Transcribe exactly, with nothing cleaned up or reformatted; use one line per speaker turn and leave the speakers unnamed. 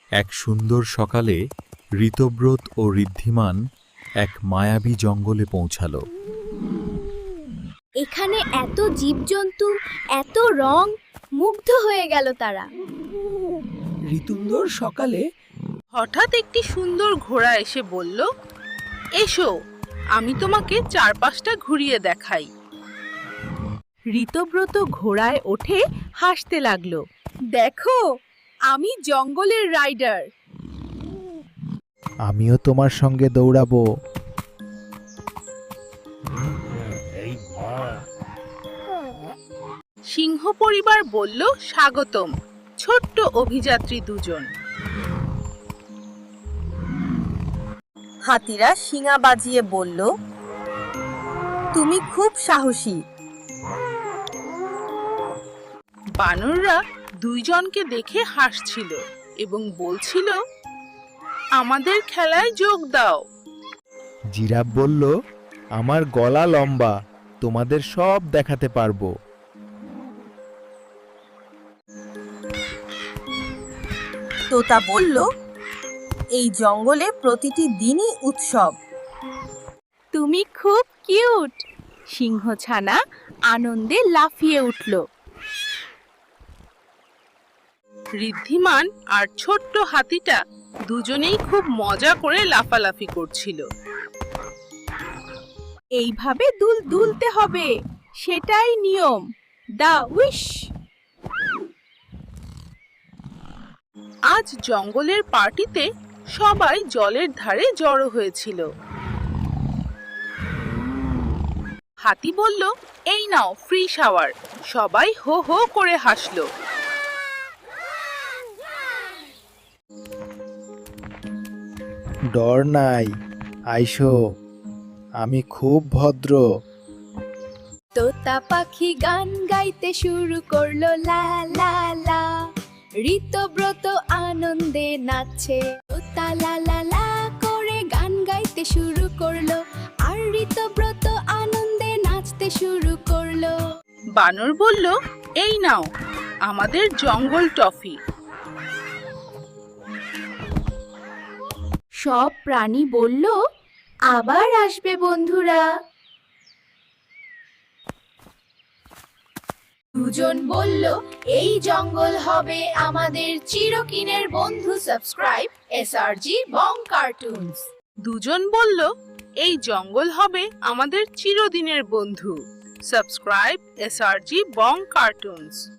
এক সুন্দর সকালে ঋতব্রত ও ঋদ্ধিমান এক মায়াবী জঙ্গলে পৌঁছালো।
এখানে এত জীবজন্তু, এত রং, মুগ্ধ হয়ে গেল তারা।
ঋতুন্দর সকালে
হঠাৎ একটি সুন্দর ঘোড়া এসে বলল, এসো, আমি তোমাকে চারপাশটা ঘুরিয়ে দেখাই। ঋতব্রত ঘোড়ায় ওঠে হাসতে লাগলো। দেখো, আমি জঙ্গলের রাইডার।
আমিও তোমার সঙ্গে দৌড়াবো।
সিংহ পরিবার বলল, স্বাগতম, ছোট্ট অভিযাত্রী দুজন।
হাতিরা শিঙা বাজিয়ে বলল, তুমি খুব সাহসী।
বানররা দুইজনকে দেখে হাসছিল এবং বলছিল, আমাদের খেলায় যোগ দাও।
জিরাফ বলল, আমার গলা লম্বা, তোমাদের সব দেখাতে পারবো।
তোতা বলল, এই জঙ্গলে প্রতিটি দিনই উৎসব।
তুমি খুব কিউট। সিংহ ছানা আনন্দে লাফিয়ে উঠল।
ঋদ্ধিমান আর ছোট্ট হাতিটা দুজনেই খুব মজা করে লাফালাফি করছিল।
এইভাবে দুল দুলতে হবে, সেটাই নিয়ম। The wish.
আজ জঙ্গলের পার্টিতে সবাই জলের ধারে জড়ো হয়েছিল। হাতি বলল, এই নাও ফ্রি শাওয়ার। সবাই হো হো করে হাসলো।
ডর নাই, আইসো, আমি খুব ভদ্র।
তোতা পাখি গান গাইতে শুরু করলো, লা লা লা। ঋতব্রত আনন্দে নাচছে। তোতা লা লা লা করে গান গাইতে শুরু করলো, আর ঋতব্রত আনন্দে নাচতে শুরু করলো।
বানর বলল, এই নাও আমাদের জঙ্গল টফি।
সব প্রাণী বলল, আবার আসবে বন্ধুরা। দুজন বলল, এই জঙ্গল হবে আমাদের চিরকিনের বন্ধু। Subscribe SRG Bong cartoons.
দুজন বলল, এই জঙ্গল হবে আমাদের চিরদিনের বন্ধু। Subscribe SRG Bong cartoons.